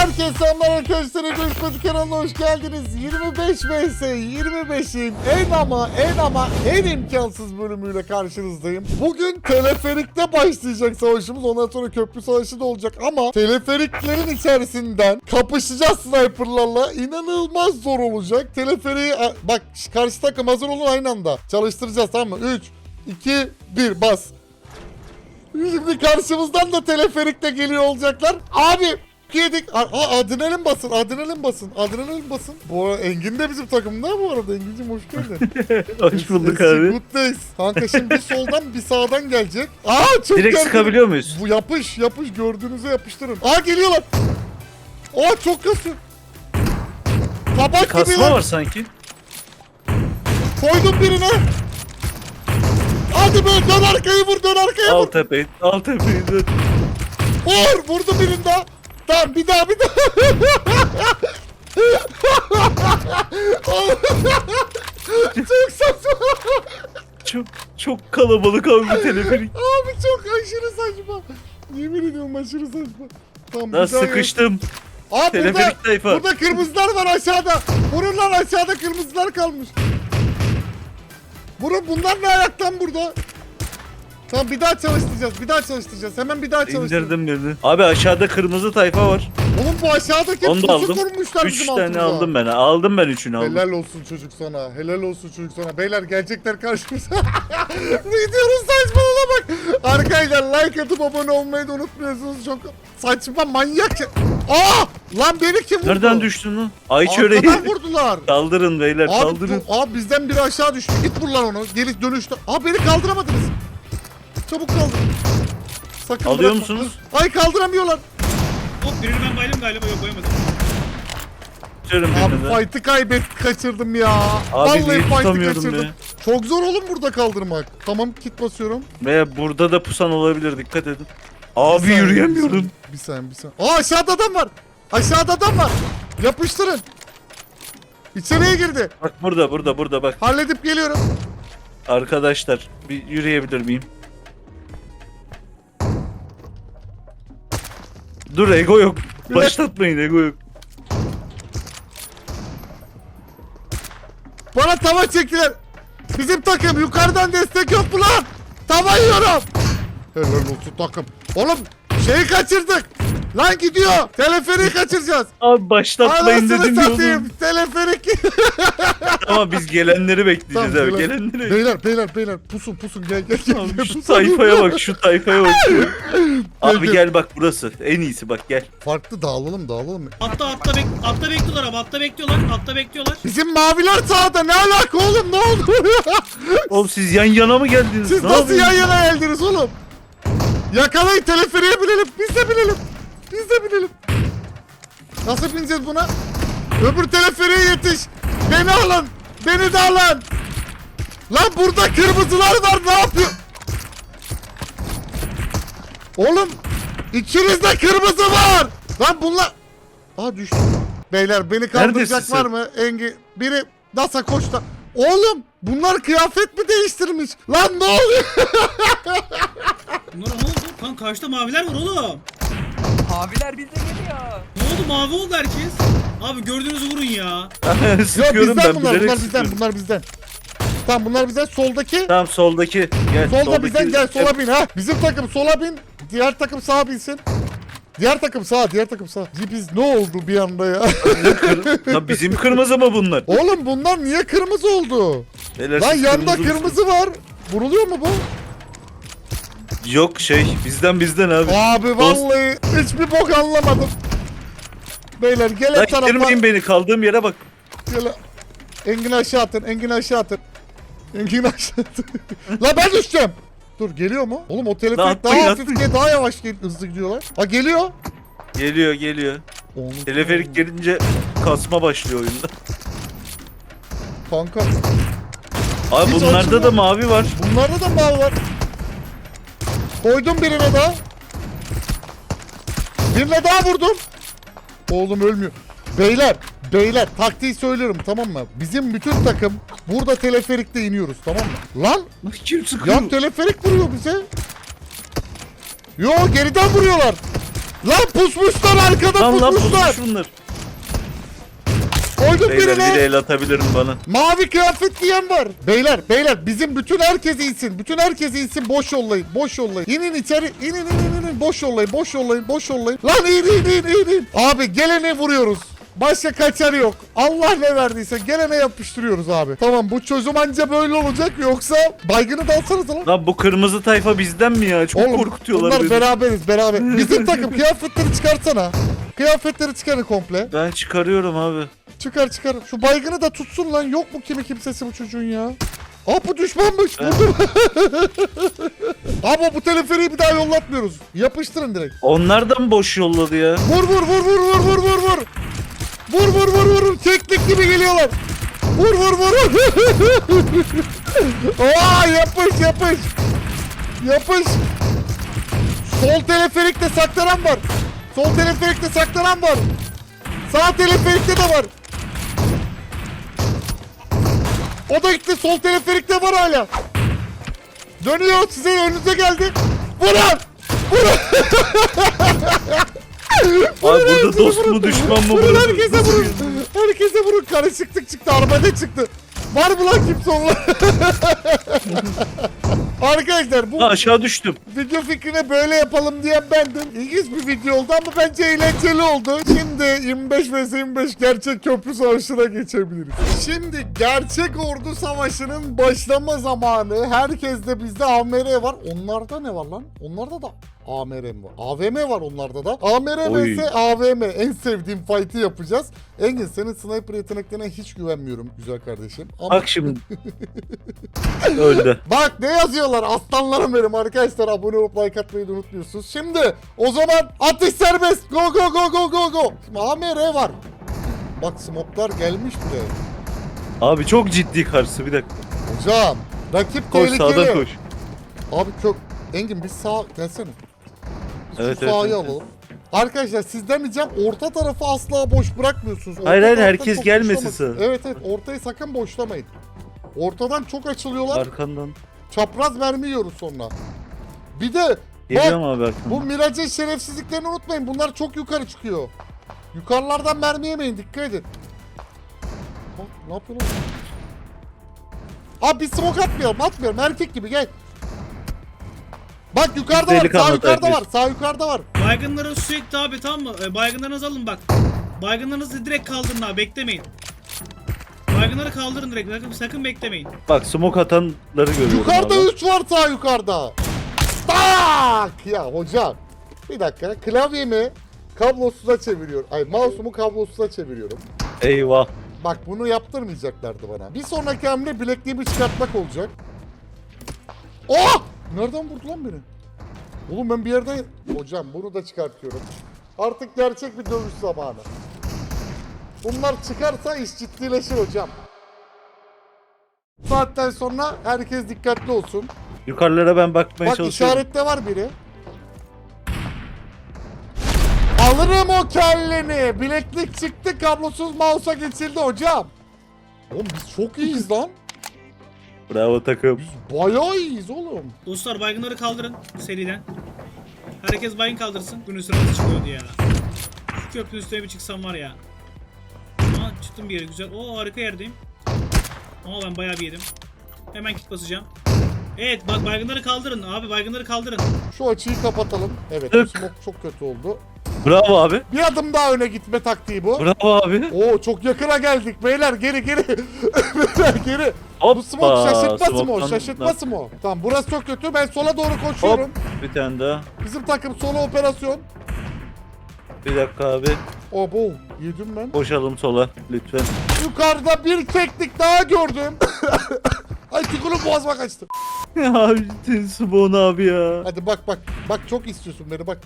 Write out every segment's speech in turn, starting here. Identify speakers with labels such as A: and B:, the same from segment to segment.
A: Herkese selamlar arkadaşlar. Görüşmedik kanalına hoş geldiniz. 25 vs 25'im. En imkansız bölümüyle karşınızdayım. Bugün teleferikte başlayacak savaşımız. Ondan sonra köprü savaşı da olacak ama teleferiklerin içerisinden kapışacağız sniperlarla. İnanılmaz zor olacak. Teleferiği bak, karşı takım hazır olun, aynı anda çalıştıracağız, tamam mı? 3 2 1 bas. Şimdi karşımızdan da teleferikle geliyor olacaklar. Abi yedik. Adrenalin basın, adrenalin basın, adrenalin basın. Bu arada Engin de bizim takımda bu arada. Engin'cim hoş geldin.
B: Hoş bulduk abi.
A: Good days. Kanka şimdi bir soldan bir sağdan gelecek. Çok
B: Direkt
A: gergin.
B: sıkabiliyor muyuz?
A: Bu yapış gördüğünüze yapıştırın. Geliyorlar. Çok kasıyor. Tabak
B: Kasma
A: gibiler.
B: var sanki.
A: Koydum birine. Hadi be, dön arkayı vur, dön arkaya
B: Al
A: vur.
B: tepeyi, al tepeyi.
A: Vurdu birinde daha. Tamam, bir daha. Çok saçma.
B: Çok kalabalık abi bu teleferik.
A: Abi çok aşırı saçma. Yemin ediyorum aşırı saçma. Tamam,
B: Daha
A: bir daha
B: sıkıştım.
A: burada,
B: Teleferik tayfa.
A: burada kırmızılar var aşağıda. Vurun lan, aşağıda kırmızılar kalmış. Vurun, bunlar ne ayaktan burada? Tamam, bir daha çalıştıracağız. Hemen bir daha çalıştıracağız.
B: İndirdim birini. Abi aşağıda kırmızı tayfa var.
A: Oğlum bu aşağıdaki
B: Onu da
A: pusu
B: aldım.
A: kurmuşlar
B: 3
A: bizim
B: tane
A: altımıza.
B: aldım ben. Aldım ben 3'ünü aldım.
A: Helal olsun çocuk sana. Helal olsun çocuk sana. Beyler gelecekler karşımıza. Videonun saçmalığına bak. Arkadaşlar like atıp abone olmayı da unutmuyorsunuz. Çok saçma, manyak. Lan beni kim vurdu?
B: Nereden düştün lan? Ay çöreği.
A: Arkadan vurdular.
B: Kaldırın beyler,
A: Abi,
B: kaldırın.
A: bizden biri aşağı düştü. Git vur lan onu. Geri dönüştü. Beni kaldıramadınız. Çabuk kaldır. Sakın
B: Alıyor
A: bırakma.
B: musunuz?
A: Ay, kaldıramıyorlar.
C: Hop, birini ben bayıldım galiba, yok bayamadım.
B: Tutuyorum
A: Abi
B: birini de.
A: fight'ı kaçırdım ya.
B: Abi niye
A: fight'ı
B: tutamıyordum
A: kaçırdım.
B: ya?
A: Çok zor oğlum burada kaldırmak. Tamam, kit basıyorum.
B: Ve burada da pusan olabilir, dikkat edin. Abi
A: Bir saniye,
B: yürüyemiyorum.
A: Bir saniye. Aşağıda adam var. Aşağıda adam var. Yapıştırın. İçeriye girdi.
B: Bak burada bak.
A: Halledip geliyorum.
B: Arkadaşlar bir yürüyebilir miyim? Dur, ego yok. Başlatmayın, ego yok.
A: Bana tava çektiler. Bizim takım yukarıdan destek yok mu lan? Tava yiyorum. Helal olsun takım. Oğlum şeyi kaçırdık. Lan gidiyor. Teleferiği kaçıracağız.
B: Abi başlatmayın
A: Anasını
B: dedim ya
A: satayım.
B: oğlum.
A: Teleferik.
B: Ama biz gelenleri bekleyeceğiz
A: Tamam,
B: abi, gelenleri.
A: Beyler pusun gel.
B: Abi şu tayfaya bak, şu tayfaya bak. Abi gel bak, burası en iyisi, bak gel.
A: Farklı dağılalım.
C: Atta bekliyorlar abi, atta bekliyorlar.
A: Bizim maviler sağda, ne alaka oğlum, ne oldu?
B: Oğlum siz yan yana mı geldiniz?
A: Siz
B: Ne
A: nasıl yan
B: yapıyorsunuz?
A: yana geldiniz oğlum? Yakalayın, teleferiğe binelim. Biz de binelim. Nasıl bineceğiz buna? Öbür teleferiğe yetiş. Beni de alın. Lan burada kırmızılar var, ne yapıyor? Oğlum içinizde kırmızı var. Lan bunlar... Düştü. Beyler beni kaldıracak
B: Neredesin
A: var
B: sen?
A: mı? Biri NASA koşta. Oğlum bunlar kıyafet mi değiştirmiş? Lan ne oluyor?
C: Bunlar ne oldu? Kan karşıda maviler var oğlum.
D: Abiler bizde geliyor.
C: Ne oldu, mavi oldu herkes. Abi gördüğünüzü vurun ya.
A: Yok,
B: Sıkıyorum
A: bizden
B: ben,
A: bunlar
B: bilerek
A: bizden.
B: sıkıyorum.
A: Tamam, bunlar bizden. Soldaki.
B: Tamam, soldaki. Gel,
A: Solda bizden, gel sola bin ha. Bizim takım sola bin. Diğer takım sağa binsin. Diğer takım sağ. Biz ne oldu bir anda ya?
B: Ya bizim kırmızı mı bunlar?
A: Oğlum bunlar niye kırmızı oldu?
B: Beyler,
A: Lan
B: siz
A: yanda
B: mısınız?
A: kırmızı var. Vuruluyor mu bu?
B: Yok bizden abi.
A: Abi vallahi hiçbir bok anlamadım. Beyler gel
B: Lan
A: et tarafa.
B: ittirmeyin beni, kaldığım yere bak.
A: Gel. Engin aşağı atın. La ben düşeceğim. Dur, geliyor mu? Oğlum o teleferik
B: Atlayın,
A: daha hafif
B: atlayın.
A: daha yavaş hızlı gidiyorlar. Geliyor.
B: Geliyor.
A: Oğlum,
B: Teleferik gelince kasma başlıyor oyunda.
A: kanka.
B: Abi
A: Hiç
B: bunlarda
A: açılmıyor.
B: da mavi var.
A: Bunlarda da mavi var. Koydum birine daha. Birine daha vurdum. Oğlum ölmüyor. Beyler taktiği söylüyorum, tamam mı? Bizim bütün takım burada teleferikte iniyoruz, tamam mı? Lan
B: Kim sıkıyor?
A: yan teleferik vuruyor bize. Yo, geriden vuruyorlar. Lan pusmuşlar arkada
B: Lan
A: pusmuşlar.
B: pusmuş bunlar.
A: Koydum
B: Beyler
A: birine.
B: biri el atabilirim bana.
A: Mavi kıyafet giyen var. Beyler bizim bütün herkes insin. Bütün herkes insin, boş yollayın. Boş yollayın. İnin içeri. İnin. Boş yollayın. Boş yollayın. Lan in. Abi gelene vuruyoruz. Başka kaçarı yok. Allah ne verdiyse gelene yapıştırıyoruz abi. Tamam, bu çözüm anca böyle olacak, yoksa baygını da alsanız lan.
B: Lan bu kırmızı tayfa bizden mi ya? Çok korkutuyorlar
A: bunlar
B: beni.
A: beraberiz beraber. Bizim takım kıyafetleri çıkarsana. Kıyafetleri çıkarın komple.
B: Ben çıkarıyorum abi.
A: Çıkar. Şu baygını da tutsun lan. Yok mu kimsesi bu çocuğun ya? Aa, bu düşmanmış.
B: Evet.
A: Vurdum. Ama bu teleferiği bir daha yollatmıyoruz. Yapıştırın direkt.
B: Onlar da mı boş yolladı ya?
A: Vur. Vur. Teknik gibi geliyorlar. Vur. Aa, yapış. Sol teleferikte saklanan var. Sağ teleferikte de var. O da gitti. Sol teleferikte var hala. Dönüyor, size önünüze geldi. Vurun.
B: Abi burada dost mu düşman mı
A: Vurun,
B: burası?
A: herkese vurun. Karışıklık çıktı. Arabada çıktı. Var mı lan kimse onlar? Arkadaşlar bu
B: Ha, aşağı düştüm.
A: video fikrine böyle yapalım diyen bendim. İlginç bir video oldu ama bence eğlenceli oldu. Şimdi 25 vs 25 gerçek köprü savaşına geçebiliriz. Şimdi gerçek ordu savaşının başlama zamanı. Herkeste bizde AMR var. Onlarda ne var lan? Onlarda da AMR mi var? AVM var onlarda da. AMR
B: Oy.
A: vs AVM. En sevdiğim fight'ı yapacağız. Engin, senin sniper yeteneklerine hiç güvenmiyorum güzel kardeşim. Ama
B: Bak şimdi. Öldü.
A: bak ne yazıyorlar aslanlarım benim arkadaşlar, abone olup like atmayı da unutmuyorsunuz. Şimdi o zaman atış serbest, go. Şimdi AMR var. Bak smoklar gelmiş bile.
B: Abi çok ciddi karşısı, bir dakika.
A: Hocam rakip
B: Koş,
A: tehlikeli.
B: sağdan koş.
A: Abi çok Engin, biz sağ gelsene. Biz
B: Evet,
A: şu sahayı
B: evet.
A: alalım. Arkadaşlar sizden ricam, orta tarafı asla boş bırakmıyorsunuz. Orta
B: Hayır,
A: tarafta
B: herkes
A: çok
B: gelmesin
A: boşlamayın.
B: sana.
A: Evet, ortayı sakın boşlamayın. Ortadan çok açılıyorlar.
B: Arkandan.
A: Çapraz mermi yiyoruz sonra. Bir de
B: Geliyorum abi arkandan.
A: bu Mirage'in şerefsizliklerini unutmayın. Bunlar çok yukarı çıkıyor. Yukarılardan mermi yemeyin. Dikkat edin. Bak, ne yapıyorsun? Abi bir smoke atmıyorum. Erkek gibi gel. Bak yukarıda var.
B: Delikanlı
A: Sağ yukarıda
B: herkes.
A: var. Sağ yukarıda var.
C: Baygınları sürekli abi, tamam mı? Baygınlarınızı alın bak. Baygınlarınızı direkt kaldırın abi, beklemeyin. Baygınları kaldırın direkt, sakın beklemeyin.
B: Bak smoke atanları görüyorum
A: Yukarıda
B: abi.
A: 3 var, sağ yukarıda. Tak! Ya hocam. Bir dakika. Klavyemi kablosuza çeviriyorum. Ay, mouse'umu kablosuza çeviriyorum.
B: Eyvah.
A: Bak bunu yaptırmayacaklardı bana. Bir sonraki hamle bilekliğimi çıkartmak olacak. Oh! Nereden vurdu lan beni? Oğlum ben bir yerden... Hocam bunu da çıkartıyorum. Artık gerçek bir dövüş zamanı. Bunlar çıkarsa iş ciddileşir hocam. Bu saatten sonra herkes dikkatli olsun.
B: Yukarılara ben bakmaya
A: Bak
B: çalışıyorum.
A: işarette var biri. Alırım o kelleni. Bileklik çıktı, kablosuz mouse'a geçildi hocam. Oğlum biz çok iyiyiz lan.
B: Bravo takım.
A: Bayağı iyiyiz oğlum.
C: Dostlar baygınları kaldırın seriden. Herkes baygın kaldırsın. Günün sırası çıkıyordu ya. Şu köprünün üstüne bir çıksam var ya. Aa, çıktım bir yere güzel. Oo, harika yerdeyim. Ama ben bayağı bir yedim. Hemen kit basacağım. Evet bak, baygınları kaldırın abi, baygınları kaldırın.
A: Şu açıyı kapatalım. Evet, bu
B: Tık.
A: smoke çok kötü oldu.
B: Bravo abi.
A: Bir adım daha öne gitme taktiği bu.
B: Bravo abi.
A: Oo, çok yakına geldik beyler, geri. Beyler geri. Bu
B: Hoppa.
A: smoke şaşırtması mı o?
B: Smoke'tan-
A: Şaşırtması mı o? Tamam, burası çok kötü. Ben sola doğru koşuyorum.
B: Hop. Bir tane daha.
A: Bizim takım sola operasyon.
B: Bir dakika abi.
A: Abo, yedim ben.
B: Koşalım sola lütfen.
A: Yukarıda bir teknik daha gördüm. Ay, tükürüm boğazıma kaçtı.
B: Ya Spawn abi ya.
A: Hadi bak. Bak çok istiyorsun beni, bak.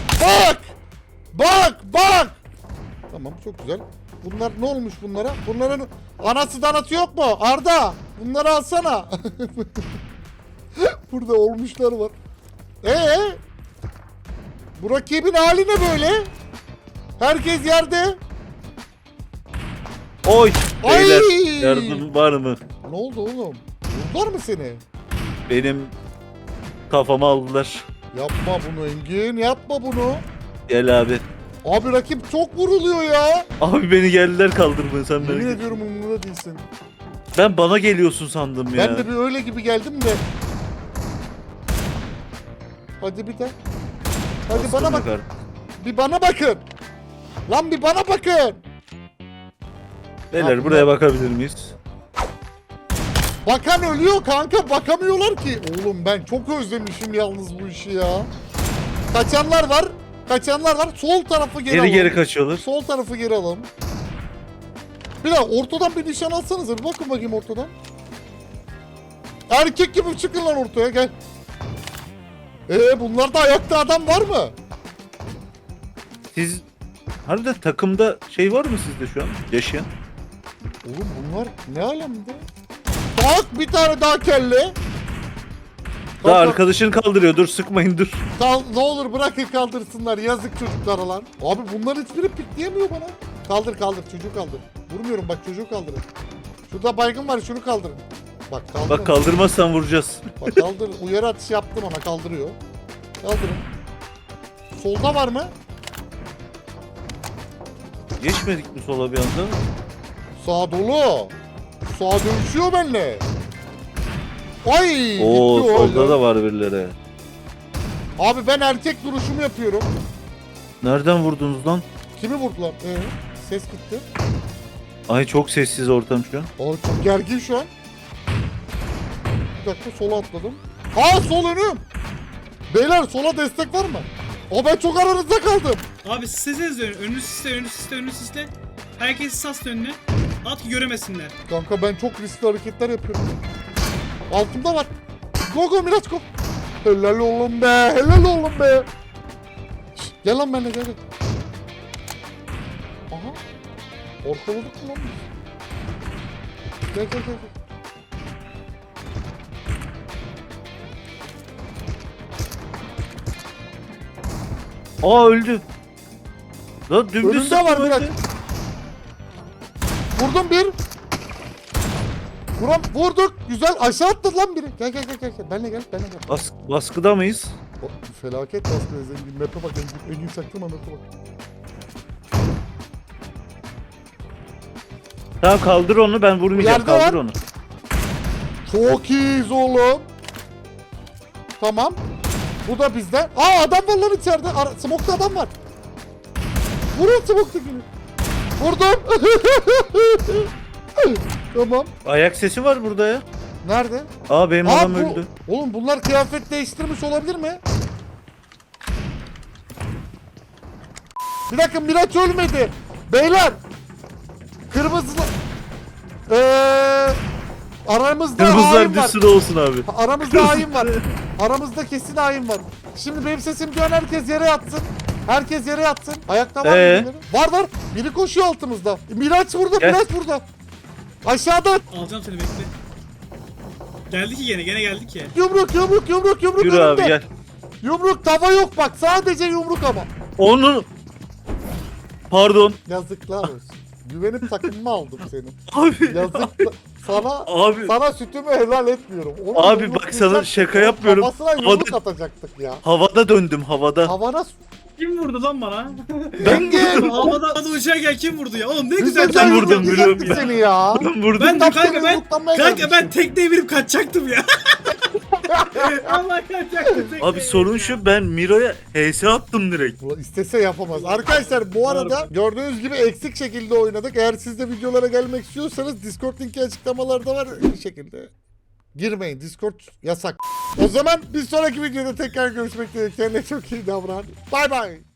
A: Bak. Tamam, çok güzel. Bunlar ne olmuş bunlara? Bunların anası danası yok mu? Arda, bunları alsana. Burada olmuşlar var. Bu rakibin hali ne böyle? Herkes yerde.
B: Oy.
A: Ay!
B: Beyler yardım var mı?
A: Ne oldu oğlum? Vurdular mı seni?
B: Benim kafamı aldılar.
A: Yapma bunu Engin, yapma bunu.
B: Gel abi.
A: Abi rakip çok vuruluyor ya.
B: Abi beni geldiler kaldırmaya sen merak
A: Yemin
B: etme.
A: ediyorum umurumda değilsin.
B: Ben bana geliyorsun sandım ya.
A: Ben de bir öyle gibi geldim de. Hadi bir de. Hadi
B: Bastım
A: bana bak.
B: yukarı.
A: Bir bana bakın. Lan bir bana bakın.
B: Beyler
A: Yapma.
B: buraya bakabilir miyiz?
A: Bakan ölüyor kanka. Bakamıyorlar ki. Oğlum ben çok özlemişim yalnız bu işi ya. Kaçanlar var. Kaçanlar var. Sol tarafı geri
B: Geri
A: alalım.
B: geri kaçıyorlar.
A: Sol tarafı geri alalım. Bir daha ortadan bir nişan alsanıza. Bir bakın bakayım ortadan. Erkek gibi çıkın lan ortaya gel. Bunlarda ayakta adam var mı?
B: Siz harbiden takımda şey var mı sizde şu an yaşayan?
A: Oğlum bunlar ne alemde? Bak bir tane daha kelle.
B: Daha
A: Kalk,
B: arkadaşını kaldırıyor. Dur sıkmayın dur.
A: ne olur bırakın kaldırsınlar. Yazık çocuklara lan. Abi bunların hiçbiri pikleyemiyor bana. Kaldır kaldır çocuğu kaldır. Vurmuyorum bak çocuğu kaldırın. Şurada baygın var şunu kaldırın. Bak kaldır.
B: Bak kaldırmazsan vuracağız.
A: Bak kaldır. Uyarı atışı yaptım ona kaldırıyor. Kaldırın. Solda var mı?
B: Geçmedik mi sola bir anda?
A: Sağ dolu. Sağa dönüşüyor benimle. Ay!
B: Oo
A: gitti o
B: solda
A: öyle.
B: da var birileri.
A: Abi ben erkek duruşumu yapıyorum.
B: Nereden vurdunuz lan?
A: Kimi vurdular? Ses gitti.
B: Ay çok sessiz ortam şu an.
A: Abi çok gergin şu an. Bir dakika sola atladım. Aa sol önüm. Beyler sola destek var mı? Ben çok aranızda kaldım.
C: Abi size dönün. Önünü sisle, önünü sisle, önünü sisle. Herkes sas önüne. At ki göremesinler.
A: Kanka ben çok riskli hareketler yapıyorum. Altımda var. Go go Miraç go. Helal oğlum be. Helal oğlum be. Şşt, gel lan benimle gel. Gel. Aha. Ortaladık mı lan biz? Gel gel gel.
B: Aa öldü. Lan dümdüz
A: Önümde
B: sıktım
A: var
B: öldü.
A: Miraç. Vurdum bir. Vurduk. Güzel. Aşağı attı lan biri. Gel gel gel gel. Benle gel. Benle gel.
B: Baskıda mıyız?
A: Felaket baskı zengin. Map'e bak. Engin çaktırma map'e bak.
B: Tamam kaldır onu ben vurmayacağım.
A: Yerde
B: Kaldır
A: var.
B: onu.
A: Çok iyiyiz oğlum. Tamam. Bu da bizde. Adam var lan içeride. Smoke'da adam var. Vurun smoke'dakini. Vurdum. Tamam.
B: Ayak sesi var burada ya.
A: Nerede?
B: Aa benim adam öldü.
A: Oğlum bunlar kıyafet değiştirmiş olabilir mi? Bir dakika Miraç ölmedi. Beyler. Kırmızı... Aramızda
B: Kırmızılar
A: hain
B: bir
A: var.
B: sürü olsun abi.
A: Aramızda hain var. Aramızda kesin hain var. Şimdi benim sesim duyan herkes yere yatsın. Herkes yere yatsın. Ayakta var mı birileri? Var var. Biri koşuyor altımızda. Miraç burada,
B: Gel.
A: Miraç burada. Aşağıda.
C: Alacağım seni bekle. Geldi ki gene geldi ki.
A: Yumruk
B: Yürü abi
A: önümde.
B: gel.
A: Yumruk tava yok bak. Sadece yumruk ama.
B: Onun... Pardon.
A: Yazıklar olsun. Güvenip takımımı aldım senin.
B: Abi.
A: Yazık.
B: Abi.
A: Sana sütümü helal etmiyorum. Onu
B: Abi
A: yumruk
B: bak sana
A: vuracaktık.
B: şaka
A: Onun
B: yapmıyorum.
A: Kafasına yumruk atacaktık ya.
B: Havada döndüm havada.
A: Havana
C: Kim vurdu lan bana?
A: Engin.
C: Havada uçarken kim vurdu ya? Oğlum ne
A: Biz
C: güzel
A: de
B: ben
C: sen
B: vurdum,
A: yumruklayacaktık
B: biliyorum ya.
A: seni ya.
B: Ben vurdum.
C: Ben de
A: Tam
C: kanka
A: seni
C: ben
A: yumruklamaya
C: kanka ben
A: gelmiştim.
C: tekneye binip kaçacaktım ya. Allah kaçacaktım tekneye.
B: Abi sorun şu ben Miro'ya HS attım direkt.
A: Ulan istese yapamaz. Arkadaşlar bu arada gördüğünüz gibi eksik şekilde oynadık. Eğer siz de videolara gelmek istiyorsanız Discord linki açıklamalarda var. Bir şekilde girmeyin. Discord yasak. O zaman bir sonraki videoda tekrar görüşmek dileğiyle. Kendine çok iyi davran. Bay bay.